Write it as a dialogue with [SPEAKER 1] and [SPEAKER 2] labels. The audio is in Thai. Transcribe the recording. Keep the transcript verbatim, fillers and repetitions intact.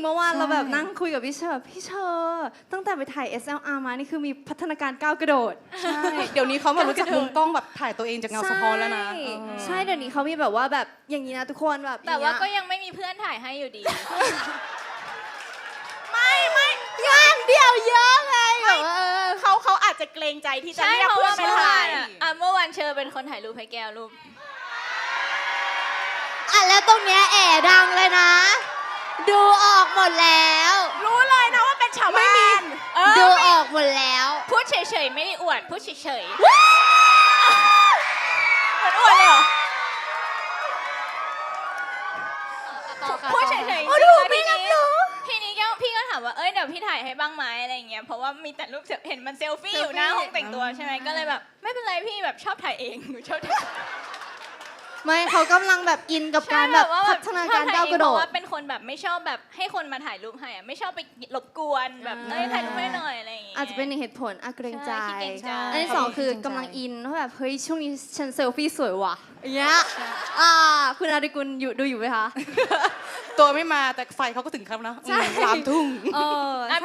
[SPEAKER 1] เมื่อวานเราแบบนั่งคุยกับพี่เชอร์พี่เชอร์ตั้งแต่ไปถ่าย เอส แอล อาร์ มานี่คือมีพัฒนาการก้าวกระโดด
[SPEAKER 2] ใช่เดี๋ยวนี้เขาแบบรู้จักมุมกล้องแบบถ่ายตัวเองจากเงาสะท้อนแล้วนะ
[SPEAKER 1] ใช่เดี๋ยวนี้เขามีแบบว่าแบบอย่างนี้นะทุกคนแบบ
[SPEAKER 3] แต่ว่าก็ยังไม่มีเพื่อนถ่ายให้อยู่ดี
[SPEAKER 2] ไม่ไม่
[SPEAKER 1] งานเดียวเยอะไงแบบว่า
[SPEAKER 2] เขาเขาอาจจะเกรงใจที่จะ
[SPEAKER 3] ใช่
[SPEAKER 2] เรียก
[SPEAKER 3] เพราะ
[SPEAKER 2] เพื่อ
[SPEAKER 3] ว่าน
[SPEAKER 2] ไป
[SPEAKER 3] เมื่อ
[SPEAKER 2] ถ่าว
[SPEAKER 3] าย นอะอ่ะเมื่อวานเชอเป็นคนถ่ายรูปให้แก้วรูป
[SPEAKER 1] อ่ะแล้วตรงเนี้ยแอบดังเลยนะ ดูออกหมดแล้ว
[SPEAKER 2] รู้เลยนะว่าเป็นชาวบ้าน
[SPEAKER 3] เออ
[SPEAKER 1] ดูออกหมดแล้ว
[SPEAKER 3] พูดเฉยๆไม่ได้อวดพูดเฉยๆ
[SPEAKER 2] เหมือนอวดเลยเหรอ
[SPEAKER 3] พูดเฉยๆ
[SPEAKER 1] โอ้ดูไม่รับรู้
[SPEAKER 3] ทีนี้แก้วพี่ก็ถามว่าเอ้ยเดี๋ยวพี่ถ่ายให้บ้างไหมอะไรอย่างเงี้ยเพราะว่ามีแต่รูปเห็นมันเซลฟี่อยู่หน้าห้องแต่งตัวใช่ไหมก็เลยแบบไม่เป็นไรพี่แบบชอบถ่ายเองหนูชอบถ่าย
[SPEAKER 1] ไม่เขากำลังแบบอินกับการแบบ
[SPEAKER 3] ว่า
[SPEAKER 1] พัฒนาการก้าวกระโด
[SPEAKER 3] เพราะ
[SPEAKER 1] ด
[SPEAKER 3] ว่าเป็นคนแบบไม่ชอบแบบให้คนมาถ่ายรูปให้อะไม่ชอบไปรบกวนแบบเอ้ยถ่ายรูปให้หน่อยอะไรอย่างเงี้ย
[SPEAKER 1] อาจจะเป็นหนึ่งเหตุผลอ่ะเกรงใจ
[SPEAKER 3] ใช่ขี้เกรงใจ
[SPEAKER 1] อันที่สองคือกำลังอินว่าแบบเฮ้ยช่วงนี้ฉันเซลฟี่สวยว่ะอย่างเงี้ยอ่าคุณอาดิกุลอยู่ดูอยู่ไหมคะ
[SPEAKER 2] ตัวไม่มาแต่ไฟเขาก็ถึงครับนะ
[SPEAKER 1] ใช่
[SPEAKER 2] สามทุ่ม
[SPEAKER 1] เออ